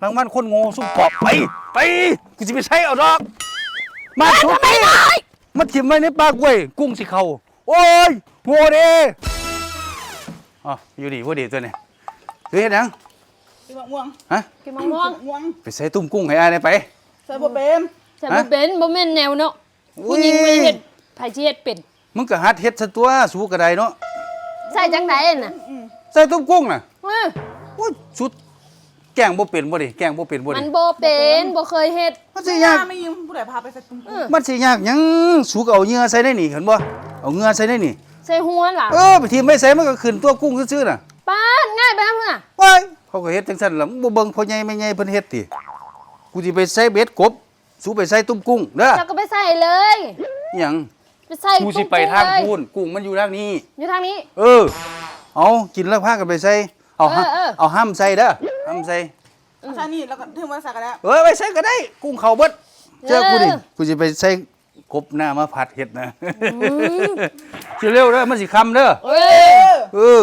รางวัลคนโง่สุกปอบไปกูจะไปใช้เอาดอกมาชุบมาถิ่มไว้ในปากเว้ยกุ้งสิเขาโอ้ยโง่เด้อ๋ออยู่ดีว่าดีตัวนี้เฮ้ยนังกินมะม่วงฮะกินมะม่วงไปใส่ตุ้มกุ้งให้อายได้ไปใส่บ่เป็นใส่บ่เป็นบ่แม่นแนวเนาะผู้หญิงไม่เฮ็ดไผสิเฮ็ดเป็นมึงก็หัดเฮ็ดซะตัวสู้กระไดเนาะใส่จังไดน่ะใส่ตุ้มกุ้งน่ะโอ้ยสุดแกงบ่เป็นบ่ดิแกงบ่เป็นบ่ดิมันบ่เป็นบ่เคยเฮ็ดมันสิยากไม่ยิงผู้ใดพาไปใส่ตุ้มมันสิยากหยังสู้ก็เอาเหงื่อใส่ได้นี่เห็นบ่เอาเหงื่อใส่ได้นี่ใส่หัวล่ะไปทีไม่ใส่มันก็ขึ้นตัวกุ้งซื่อๆน่ะป้าง่ายไปนำเพิ่นน่ะว้ายเขาก็เฮ็ดจังซั่นล่ะมึงบ่เบิ่งพ่อใหญ่แม่ใหญ่เพิ่นเฮ็ดติกูสิไปใส่เบ็ดกบสู้ไปใส่ตุ้มกุ้งเด้อจะก็ไปใส่เลยหยังไปใส่กูสิไปทางพูนกุ้งมันอยู่ทางนี้อยู่ทางนี้เอากินแล้วพากันไปใส่เอาห้ำใส่เด้อห้ำใส่ใส่นี่แล้วก็ถึงมาใส่กันแล้วไปใส่ก็ได้กุ้งเขาเบิดเจอกูดิกูสิไปใส่กบหน้ามาผัดเห็ดนะสิเร็วเด้อมันสิคำเด้อ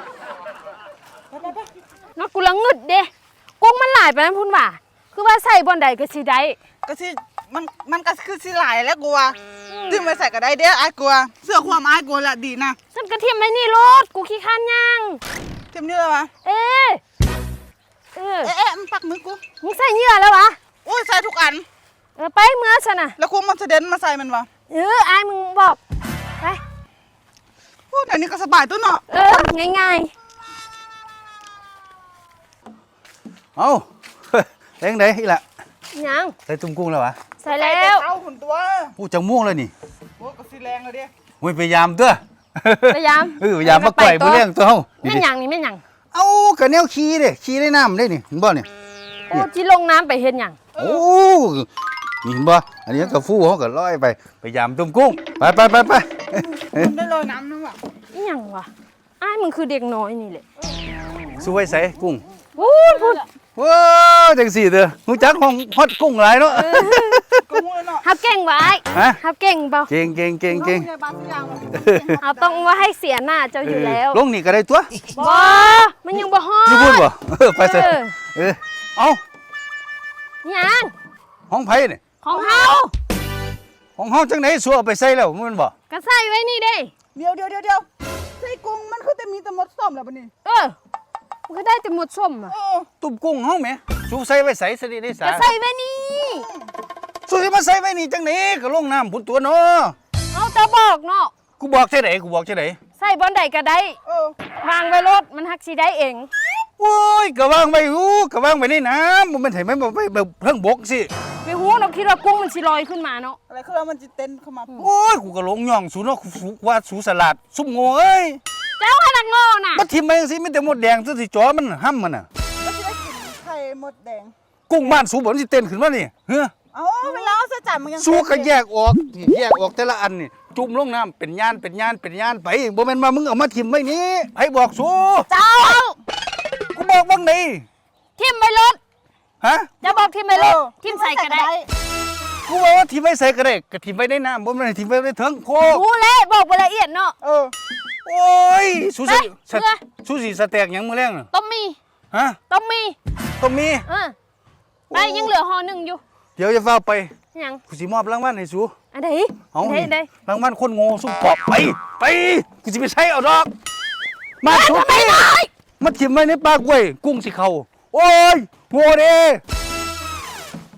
นักกูละงึดเด้กุ้งมันหลายไปนั้นพุ่นว่าคือว่าใส่บ่อนใดก็สิได้ก็สิมันก็คือสิหลายแล้วกูว่าถึงมาใส่ก็ได้เด้ออ้ายกูเสื้อความอ้ายกูละดีนะฉันก็เทียมไว้นี่รถกูขี้ข้านย่างเทียมนี่แล้ววะเอ๊ะมันปักมือกูมึงใส่เหยื่อแล้ววะโอ้ยใส่ทุกอันไปเมื่อฉันน่ะแล้วกูมันจะเด่นมาใส่มันวะอายมึงบอกไปโอ้เดี๋ยวนี้ก็สบายตัวเนาะง่ายเอาแรงไหนอีล่ะยังใส่ตุ้มกุ้งแล้ววะใส่แล้วเอาหุ่นตัวกูจังม่วงเลยนี่โอ้ก็สิแรงเลยเด้พยายามตัวพยายามพยายามมาไกวผู้เลี้ยงตัวเฮาแม่นยังนี่แม่นยังเอากระแนวขี้เด้ขี้ได้น้ำได้นี่เห็นบ่เนี่ยโอ้ที่ลงน้ำไปเห็นยังโอ้นี่เห็นบ่อันนี้กับฟูเขาก็ลอยไปพยายามตุ้มกุ้งไปได้ลอยน้ำนั่นวะนี่ยังวะอ้ายมึงคือเด็กน้อยนี่แหละสู้ไว้ใส่กุ้งพูดว้าจังสี่เด้อหูจักห้องฮอดกุ้งหลายเนาะฮับเก่งไว้ฮับเก่งเปล่าเก่งเอาต้องว่าให้เสียหน้าเจ้าอยู่แล้วลงนี่ก็ได้ตัวบ่มันยังบ่ฮอดอยู่พูดบ่ไปเถอะเอายังห้องไผนี่ของเฮาจังไหนสัวไปใส่แล้วมันบ่ก็ใส่ไว้นี่เด้เดี๋ยวใส่กุ้งมันคือแต่มีแต่หมดส้มแล้วบัดนี้มันก็ได้แต่หมดส้มอ่ะตุ้มกุ้งเฮาแหมสูใส่ไว้ใส่ซะดิได้สาก็ใส่ไว้นี่สูสิมาใส่ไว้นี่จังไหนก็ลงน้ำพุ่นตัวเนาะเอาจะบอกเนาะกูบอกจังไหนใส่บ่อนใดก็ได้วางไว้รถมันฮักสิได้เองโอ้ยก็วางไว้ก็วางไว้ในน้ำมันให้มันไปเพิ่งบกสิไปหูเราคิดว่ากุ้งมันสิลอยขึ้นมาเนาะอะไรคือว่ามันจะเต้นเข้ามาโอ้ยกูก็ลงย่องสูเนาะว่าสูสลัดซุ่มโง่เอ้ยเจ้าให้นักโง่น่ะมาทิ่มไปจังซี่มีแต่มดแดงตัวสิจ่อมันห้ำมันน่ะก็สิได้กินไข่มดแดงกุ้งบ้านสูบ่มันสิเต้นขึ้นมานี่เฮ้อเวลาเอาใส่จานมันยังสูก็แยกออกแต่ละอันนี่จุ่มลงน้ำเป็นย่านไปบ่แม่นว่ามึงเอามาทิ่มไว้นี่ให้บอกสูเจ้ากูบอกบ้างดิทิ่มไปรถฮะจะบอกทิ่มไปรถทิ่มใส่ก็ได้กูบอกว่าทิ่มไว้ใส่ก็ได้ก็ทิ่มไว้ในน้ำบ่แม่นทิ่มไว้ในถังโคกรู้แล้วบอกไปละเอียดเนาะโอ้ยสูสิสแต็กหยังมื้อแรงน่ะต้องมีฮะต้องมีไปยังเหลือห่อนึงอยู่เดี๋ยวจะฟ้าไปยังกูสิมอบรางวัลให้สูอันใดรางวัลคนโง่สู้ปอบไปกูสิไปใช้เอาดอกมาชุบมาถิ่มไว้ในปากเว้ยกุ้งสิเขาโอ้ยโง่เด้